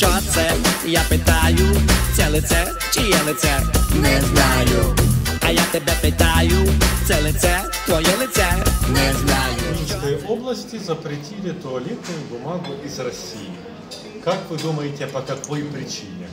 Що це? Я питаю, це лице, чиє лице? Не знаю. А я тебе питаю, це лице, твоє лице? Не знаю. В Минской области запретили туалетную бумагу из России. Как вы думаете, по какой причине?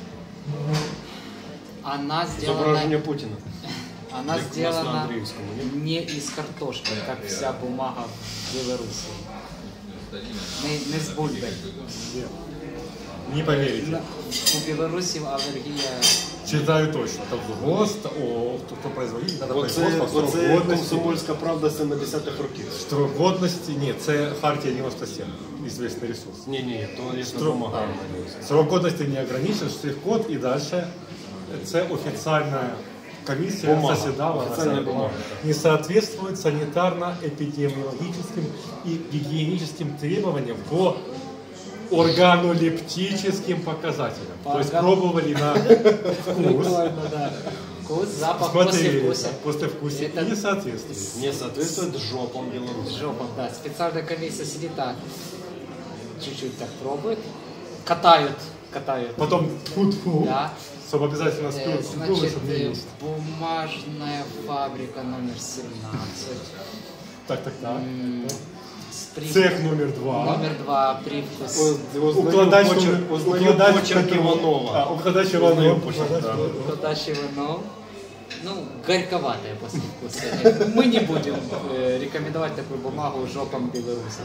Она сделана... Изображение Путина. Она сделана Андреевскому, нет? не из картошки, как вся бумага в Беларуси. Не с бульбой. Не поверите. У Беларуси аллергия. Читаю точно. Там ГОСТ, кто производитель, надо производство, Оце срок годності. комсомольська правда 70-х років. Строк годності, ні, це Хартія 97, известный ресурс. Ні, то Строк, допомагає. срок годности не ограничен, штрих-код і далі це офіційна комісія Бумага. заседала. Официальная бумага. Не соответствует санитарно-эпидемиологическим и гигиеническим требованиям по органолептическим показателям. То есть пробовали на вкус, Вкус, запах, смотрели послевкусие. послевкусие Это- и не соответствует. Не соответствует жопам Беларуси. Жопа, да. Специальная комиссия сидит так, чуть-чуть так пробует, катают. Потом тьфу-тьфу, Да. чтобы обязательно спил, Значит, чтобы не есть. бумажная фабрика номер 17. Так. С Цех номер 2. Номер 2, привкус. Укладач почерк Иванова. Укладач Иванова. Кладащий вино. Ну, горьковатое послевкусие. Мы не будем рекомендовать такую бумагу жопам белорусов.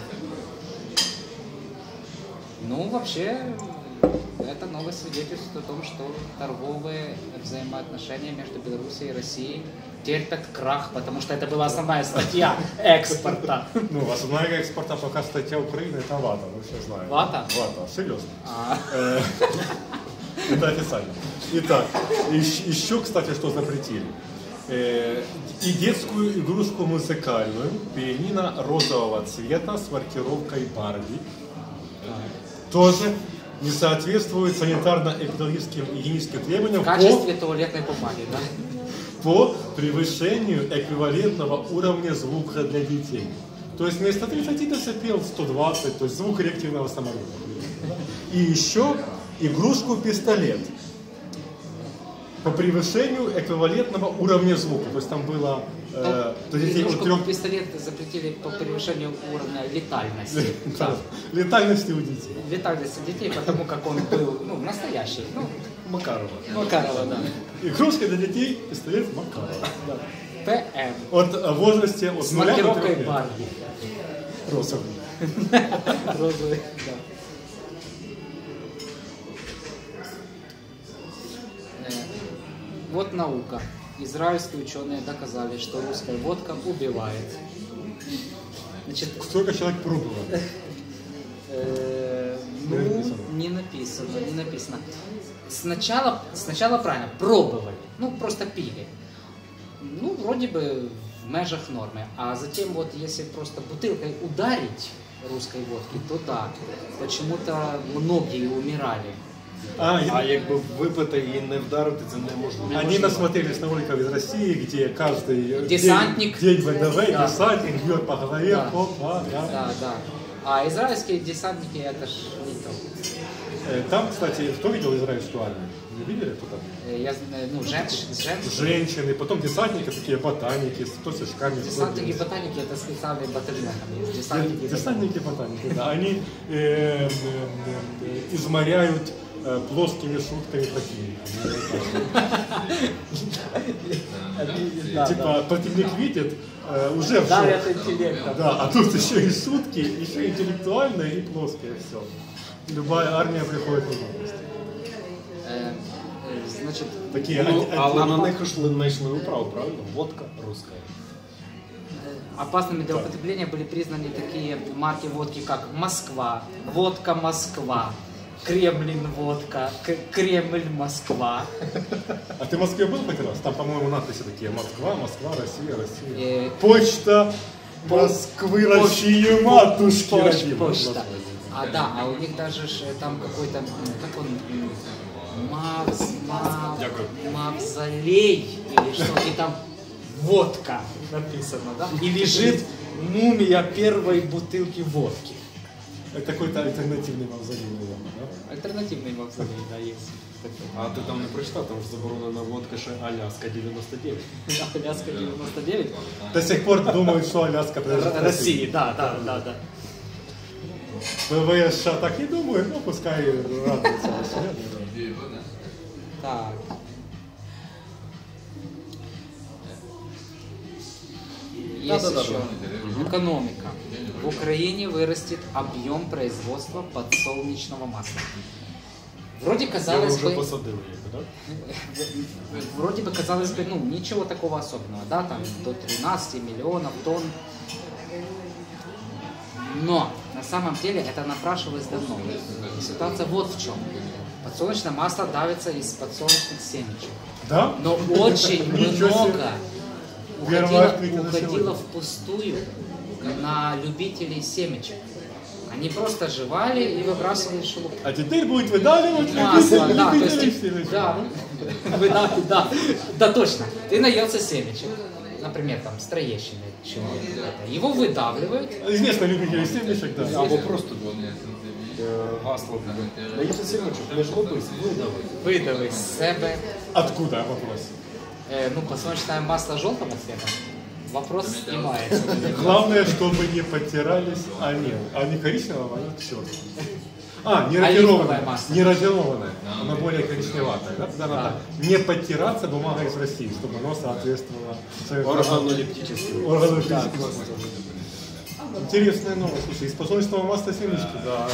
Ну, вообще, это новое свидетельство о том, что торговые взаимоотношения между Белоруссией и Россией терпят крах, потому что это была основная статья экспорта. Ну, основная экспорта пока статья Украины это вата, мы все знаем. Вата? Вата, серьезно. А. Это официально. Итак, еще, кстати, что запретили. И детскую игрушку музыкальную, пианино розового цвета с маркировкой Барби. Тоже не соответствует санитарно-эпидемиологическим и гигиеническим требованиям В качестве туалетной бумаги, да? по превышению эквивалентного уровня звука для детей. То есть вместо 30 дБ 120, то есть звук реактивного самолета. И еще игрушку-пистолет по превышению эквивалентного уровня звука. То есть там было... то есть Игрушку пистолет запретили по превышению уровня летальности. Да. Летальности у детей. Летальности детей, потому как он был настоящий. Макарова. Макарова, да. Игрушка для детей, пистолет Макарова. ПМ. От возрасте от С 0 до 3 маркировкой лет. Барби. Розовый. Розовый, да. Вот наука. Израильские ученые доказали, что русская водка убивает. Значит, Сколько человек пробовало? не написано. Сначала правильно, пробовали, просто пили. Вроде бы в межах нормы. А затем вот если просто бутылкой ударить русской водки, то да, почему-то многие умирали. А якби випити і не вдарити, це неможливо. Они насмотрелись на роликов из России, где каждый Десантник. день ВДВ, Да. десантник бьет по голове, Да. опа, да. Да. А израильские десантники это ж не то. Там, кстати, кто видел израильскую армию? Не видели кто там? Я знаю, женщины. Женщины, потом десантники, такие ботаники, с тосочками. Десантники и ботаники это специальный батальон там есть. Десантники. Десантники, ботаники, да. Они изморяют плоскими шутками противника. Типа противник видит, уже в Дарят шок. интеллектом. Да, а тут еще и шутки, еще интеллектуальные и плоские, все. Любая армия приходит в новости. Значит, Такие Але на них знайшли управу, правильно? Водка руська. опасными для употребления были признаны такие марки водки, как Москва, водка Москва, Кремлин водка, Кремль Москва. А ты в Москве был хоть раз? Там, по-моему, надписи такие: Москва, Москва, Россия, Россия. Э, Почта Москвы, России, матушки родимой. Почта. А у них даже там какой-то, как он, мавзолей или что, и там водка написано, да? И лежит мумия первой бутылки водки. Это какой-то альтернативный мавзолей, наверное, да? Альтернативний мавзолей, да, є. А ти там не прочитав, там ж заборонена водка ще Аляска 99. Аляска 99. До сих пор думают, что Аляска принадлежит России. России, да. ВВС США так не думают, ну пускай радуются. Так. Есть еще экономика. В Украине вырастет объем производства подсолнечного масла. Вроде Я казалось вже бы, посадили їх, так? вроде бы казалось бы, ну ничего такого особенного, да, там до 13 миллионов тонн. Но на самом деле это напрашивалось давно. И ситуация вот в чем. Подсолнечное масло давится из подсолнечных семечек. Да? Но очень Ничего себе. много Первое открытие на уходило сегодня. впустую на любителей семечек. Они просто жевали и выбрасывали в шелух. А теперь будет выдавливать Масло, да, то любителей есть, семечек. да, точно. Ты наелся семечек, например, там, с Троещины, его выдавливают. Известно любителей семечек, да. Або просто гасло. Наївся сімочок, не жлоби, видали. Выдавы из себе. Откуда вопрос? Ну, подсолнечное масло желтого цвета. Вопрос снимается. Главное, чтобы не подтирались они коричневого, они черные. Не Оливковое рафинованное, масло. не рафинованное, оно более коричневатое. Да? Тогда надо не подтираться бумага из России, чтобы оно соответствовало Органолептический. органолептическим маслам. Интересная новость. Слушай, из подсолнечного масла семечки. Да.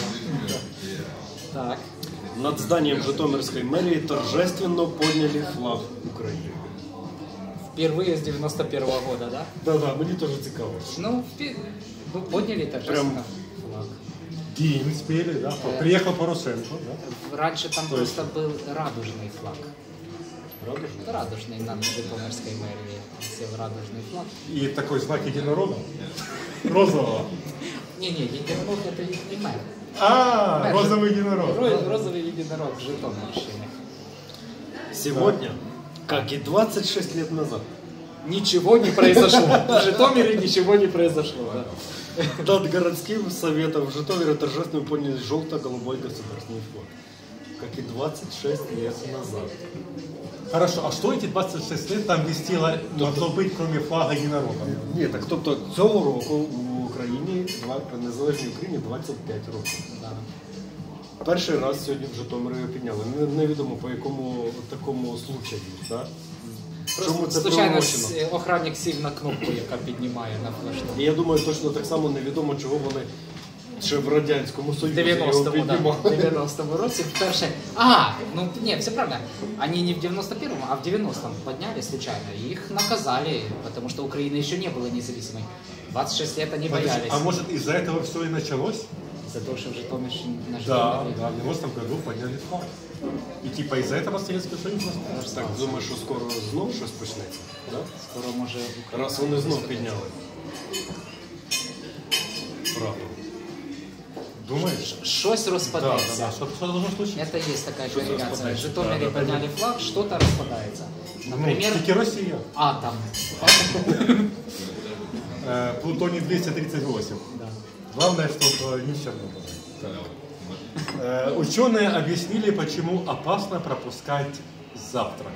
Так. Над зданием Житомирской мэрии торжественно подняли флаг України. Впервые с 91-го года, да? Да, мені теж цікаво. Ну, подняли торжественно флаг. День спели, да. Приехал Порошенко, да. Раньше там просто был радужный флаг. Радужний? Радужный над Житомирской мэрией. Сел радужный флаг. И такой знак единорога. Розового. Не-не, единорог это не мэр. Мэр Розовый единорог. Розовый единорог Житомирщины. Сегодня, как и 26 лет назад, Ничего не произошло. В Житомире ничего не произошло. Да. над городским советом в Житомире торжественно подняли желто-голубой государственный флаг. Как и 26 лет назад. Хорошо, а что эти 26 лет там вестило, могло быть, кроме флага единорога? Ні, так тобто цього року в Україні, в незалежній Україні 25 років. Да. Перший раз сьогодні в Житомирі його підняли. Невідомо по якому такому случаю. Да? Чому це Случайно приурочено? охранник сів на кнопку, яка піднімає на флешку. І я думаю, точно так само невідомо, чого вони ще в Радянському В Союзі його 90-му, да, піднімали. в 90-му році вперше. Ну нет, все правильно. Они не в 91-м, а в 90-м подняли случайно. И их наказали, потому что Украина еще не была независимой. 26 лет они боялись. А может из-за этого все и началось? За то, что в Житомирщине на Да, Житомире. да, в 90-м году подняли флаг. И типа из-за этого Советский Союз распался. Так, думаю, що скоро знов щось почнеться. Да? Скоро може Україна. Раз вони знов підняли. Правда. Думаешь? Щось Да, розпадається. да, да. Что должно случиться? Это есть такая Что-то корреляция. В распадается. Житомире Да, да, подняли флаг, что-то распадается. Например, Таки Россия. атом. Плутоний 238. Да. Главное, чтобы не в Чернобыле. Ученые объяснили, почему опасно пропускать завтрак.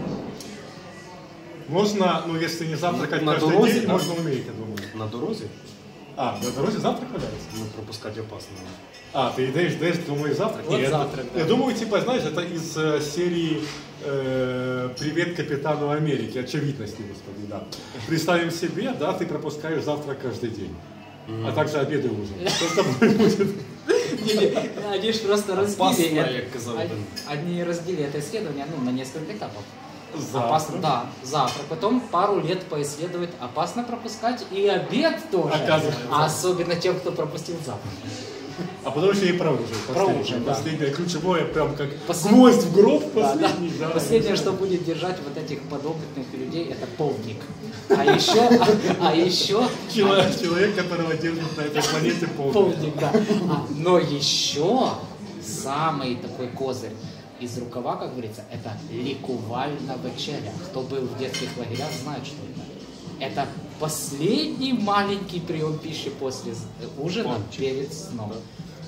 Можно, ну если не завтракать На каждый дороге, день, да? можно уметь, я думаю. На дорозі? На дороге завтрак валяется? Ну, пропускати опасно. Ты даешь, думаешь, завтрак? Вот Нет, завтрак, да. Я думаю, типа, знаешь, это из серии «Привет капитану Америки», очевидности, господи, да. Представим себе, да, ты пропускаешь завтрак каждый день, а также обед и ужин. Что с тобой будет? Они же просто Опасно, разбили як казав один. Они разбили это исследование на несколько этапов. Завтрак. Опасно, да, завтрак. Потом пару лет поисследовать. Опасно пропускать и обед тоже. Оказывается. А особенно тем, кто пропустил завтрак. А потом еще и про ужин. Про ужин, да. Последнее, ключевое, прям как Послед- гвоздь в гроб Да, последний. да. Да. Последнее, что будет держать вот этих подопытных людей, это полдник. А еще Человек, которого держит на этой планете полдник. полдник, да. Но еще самый такой козырь из рукава, как говорится, это ликувальна вечеря. Кто был в детских лагерях, знает, что это. Это последний маленький прием пищи после ужина перед сном.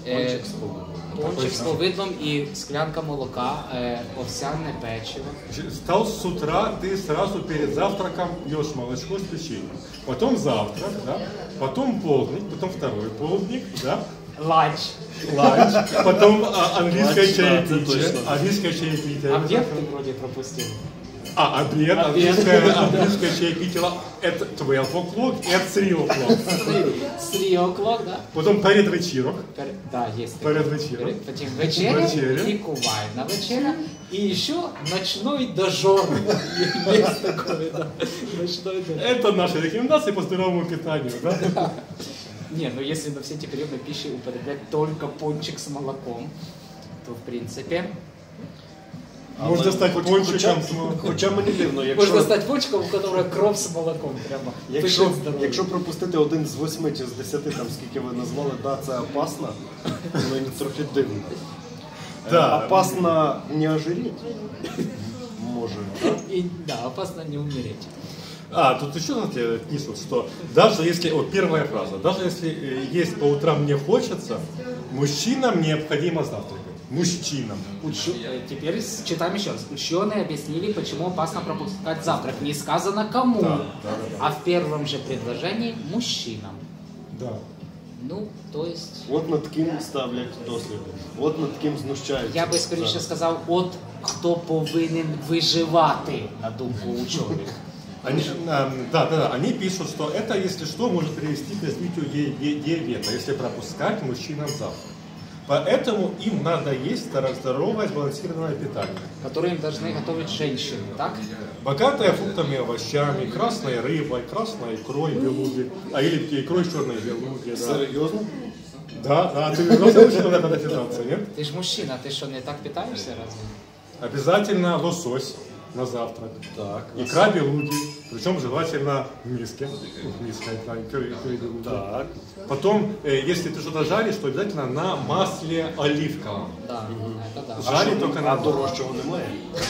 Пончик с повидлом. Пончик з повидлом і склянка молока, овсяне печиво. Встал с утра, ты сразу перед завтраком пьешь молочко с печеньем. Потом завтрак, да? Потом полдник, потом второй полдник, да? Ланч. Ланч, потом английское Ланч, да, это чаепитие. точно. Английское чаепитие. Обед ты вроде пропустил. Обед, английское чаепитие. Это 12 o'clock, это 3 o'clock. 3 o'clock, да? Потом перед вечірок. Да, есть. Перед вечером. Потом вечеря и кувайна вечеря. И еще ночной дожор. Есть такое, да. Ночной дожор. Это наши рекомендации по здоровому питанию, да? Не, ну если на все эти приемы пищи употреблять только пончик с молоком, то в принципе... Можна стати пончиком. Хоча мені дивно, Можна стати пончиком, у которого кров з молоком прямо. Якщо пропустити один з 8 чи з 10, там скільки ви назвали, да, це опасно, мені трохи дивно. Да. Опасно не ожиреть. Може, да? И, да, опасно не умереть. Тут еще, знаете, пишут, что даже если, вот первая фраза, даже если есть по утрам не хочется, мужчинам необходимо завтракать. Мужчинам. Теперь читаем еще раз. Ученые объяснили, почему опасно пропускать завтрак. Не сказано кому, Да. а в первом же предложении мужчинам. Да. Ну, то есть... От над ким ставлять досліди, от над ким знущаються. Я би скоріше сказав, от хто повинен виживати, на думку учених. Они пишут, что это, если что, может привести к развитию диабета, если пропускать мужчинам завтрак. Поэтому им надо есть здоровое, сбалансированное питание. Которые им должны готовить женщины, так? Богатое фруктами и овощами, красной рыбой, красной икрой белуги, или икрой черной белуги. Да. Серйозно? Да, ты научил на это питаться, нет? Ты ж мужчина, ты что, не так питаешься разве? Обязательно лосось на завтрак. Так. Икра белуги, причем желательно в миске. В миске икры белуги. Так. Потом, если ты что-то жаришь, то обязательно на масле оливковом. Да, это да. Жарить только на Дорожчого немає?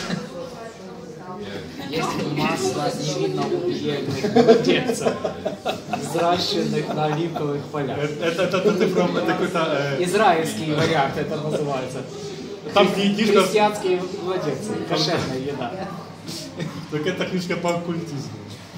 Есть масло невинно-убиенных младенцев, взращенных на оливковых полях. Это какой-то... Израильский вариант это называется. Там книжка... Христианские младенцы, кошерная еда. Так это книжка по оккультизму.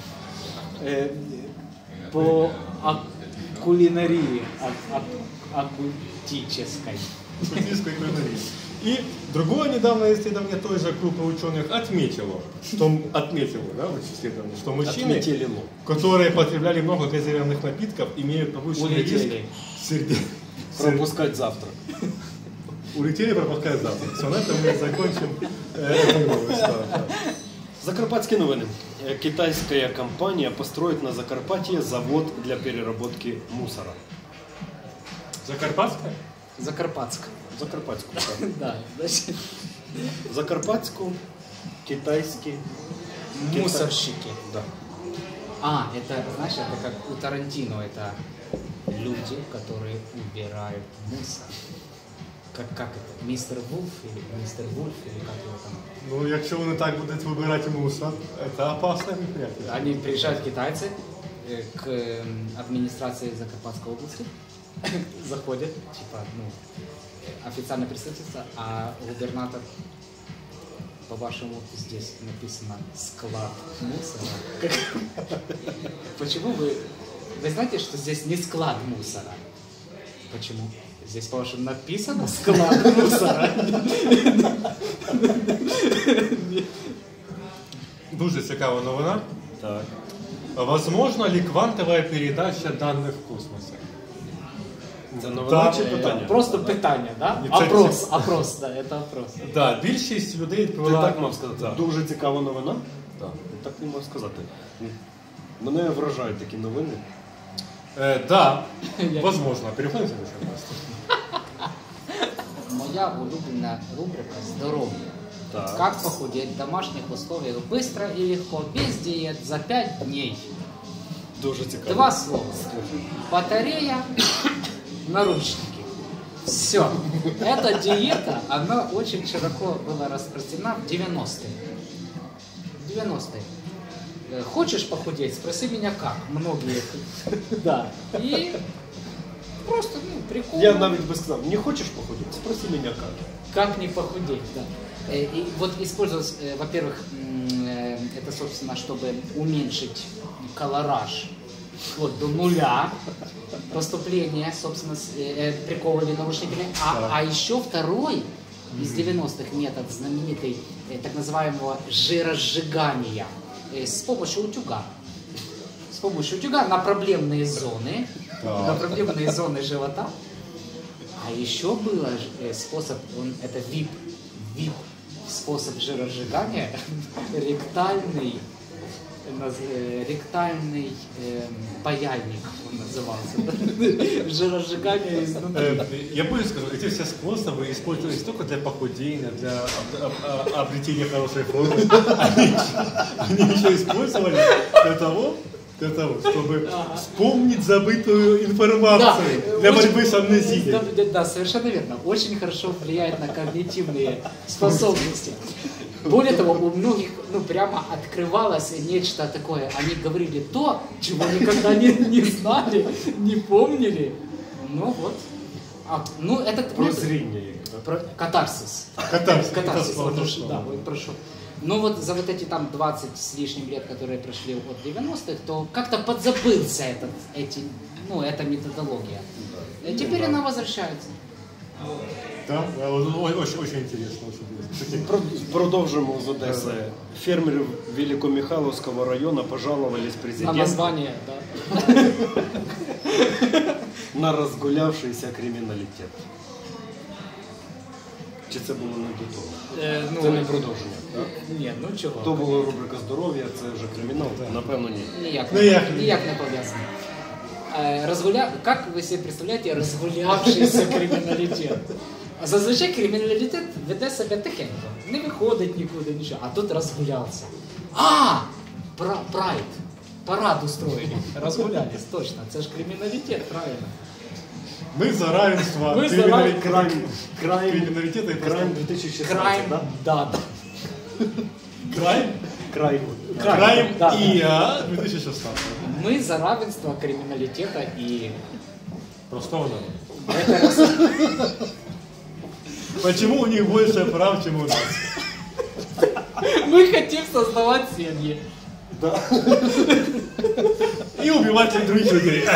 По кулинарии оккультической. Оккультистской кулинарии. И другое недавно исследование той же группы ученых отметило, что мужчины, которые потребляли много газированных напитков, имеют повышенный риск Пропускать завтрак. Улетели пропускать завтрак. Все, на этом мы закончим эту новость. Закарпатские новини. Китайская компания построит на Закарпатье завод для переработки мусора. Закарпатская? Закарпатск. Закарпатскую. Да, значит, Закарпатскую, китайский. мусорщики. Да. Это, знаешь, это как у Тарантино, это люди, которые убирают мусор. Как это? Мистер Вульф или как его там? Ну, якщо вони так будуть вибирати мусор, это опасное мероприятие. Они приезжают китайцы к администрации Закарпатской области, заходят, типа, официальное представительство, а губернатор, по-вашему, здесь написано склад мусора. Почему вы знаете, что здесь не склад мусора? Почему? Здесь, по-вашему, написано склад мусора. Дуже цікава новина. Так. Возможно ли квантовая передача данных в космосе? Це новина чи питання? Просто питання, да? Ні, це- Опрос, да, это опрос. Да, більшість людей Ти відповіла... так мав сказати. Да. Дуже цікава новина. Да. Так не мав сказати. Мене вражають такі новини. Да, возможно. Переходим к следующему новости. Моя улюбленная рубрика «Здоровье». Так. Как похудеть в домашних условиях быстро и легко, без диет, за 5 дней. Дуже цікаво. 2 слова. Батарея, наручники. Все. Эта диета, она очень широко была распространена в 90-е. 90-е. Хочешь похудеть? Спроси меня как. Многие. Да. И просто, прикол. Я навіть би сказав, не хочеш похудеть? Спроси меня как. Как не похудеть, да. И вот использовалось, во-первых, это, собственно, чтобы уменьшить колораж вот до нуля поступления, собственно, приковывали наручниками. А еще второй из 90-х метод знаменитый, так называемого жиросжигания с помощью утюга. С помощью утюга на проблемные зоны, живота. А еще был способ, это VIP способ жиросжигания, ректальный паяльник он назывался. Жиросжигание изнутри. Я больше скажу, эти все способы использовались только для похудения, для обретения хорошей формы. Они еще использовали для того, чтобы вспомнить забытую информацию для борьбы с амнезией. Да, совершенно верно. Очень хорошо влияет на когнитивные способности. Более того, у многих прямо открывалось нечто такое. Они говорили то, чего никогда не знали, не помнили. Ну вот. Это Прозрение. Катарсис. Катарсис. Да, прошу. Но вот за вот эти там 20 с лишним лет, которые прошли от 90-х, то как-то подзабылся эта методология. Теперь она возвращается. Да, очень интересно. Продовжимо з Одеси. Фермерів Великомихайловського району пожаловались президенту. На название, да. На розгулявшийся криміналітет. Чи це було не до того? Це не продовження, так? Ні, чого. То була рубрика здоров'я, це вже кримінал? Напевно, ні. Ніяк не пов'язано. Как вы себе представляете розгулявшийся криміналітет? Зазвичай криміналітет веде себе тихенько, не виходить нікуди, нічого, а тут розгулявся. Прайд, парад устроили, розгулялись, точно, це ж криміналітет, правильно. Мы за равенство криминалитета и Крайм 2016, Крайм, да. Крайм Да. и 2016. Мы за равенство криминалитета и... Простого народа. Почему у них больше прав, чем у нас? Мы хотим создавать семьи. Да. И убивать других людей.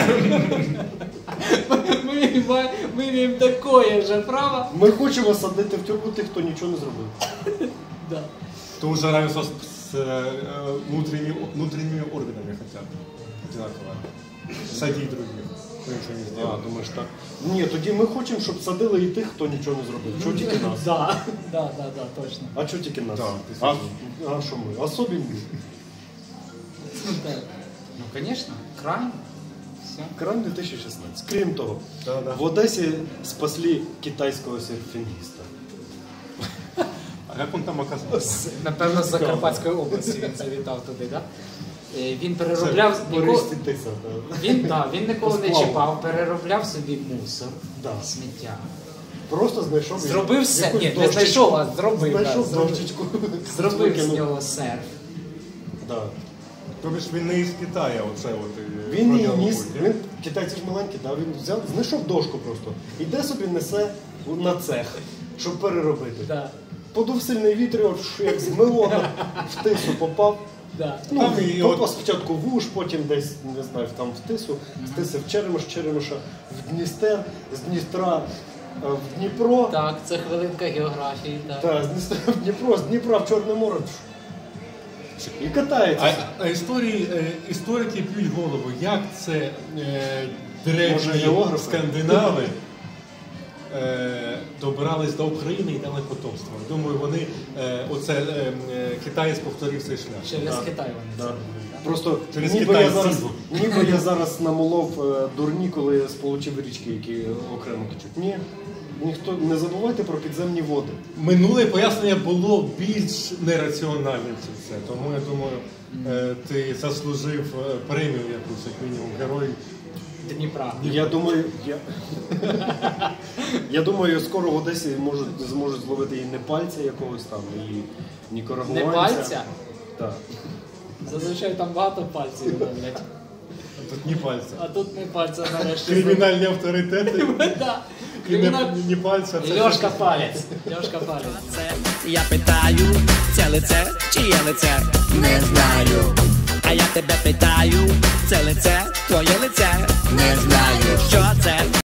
Мы имеем такое же право. Ми хочемо садити в тюрму тих, хто нічого не зробив. Да. То уже равенство с внутренними органами хотят. Одинаково. Садить других. Кто ничего не сделал. Думаєш так? Ні, тоді ми хочемо, щоб садили і тих, хто нічого не зробив. Чого тільки нас? Да, точно. А чого тільки нас? Да, А що ми? Особенні. Ну, конечно, крайм. Все. Крайм 2016. Крім того, Да. в Одесі спасли китайського серфінгіста. А как он там оказался? Напевно, з Закарпатської області він завітав туди, так? Він переробляв... Він нікого не чіпав, переробляв собі мусор, сміття. Просто знайшов... Зробив все. Ні, не знайшов, а зробив. Знайшов дощечку. Зробив з нього серф. Да. Тобто він не із Китаю, оце от. Він її ніс, китайці ж маленькі, він взяв, знайшов дошку просто. Іде собі несе на цех, щоб переробити. Да. Подув сильний вітер, як змило, в тису попав. Да. Попав спочатку в Уж, потім десь, не знаю, там в тису, з тиси в Черемиш, Черемиша в Дністер, з Дністра в Дніпро. Так, це хвилинка географії. Так. Так, з Дністра в Дніпро, з Дніпра в Чорне море. І катається. А історики п'ють голову, як це древні скандинави добрались до України і дали потомство. Думаю, вони китаєць повторив цей шлях. Через Китай вони. Просто через ніби я зараз намолов дурні, я сполучив річки, які окремо течуть. Ні. Ніхто не забувайте про підземні води. Минуле пояснення було більш нераціональним це. Тому я думаю, ти заслужив премію якусь, як мінімум, герой Дніпра. Я думаю, скоро в Одесі зможуть зловити і непальця якогось там, і нікарагуанця. Непальця? Так. Зазвичай там багато пальців ловлять. Тут не пальця. А тут не пальця нарешті. Кримінальні авторитети. Да. І не пальця. І Льошка палець. Льошка палець. Я питаю, це лице, чиє лице? Не знаю. А я тебе питаю, це лице, твоє лице? Не знаю. Що це?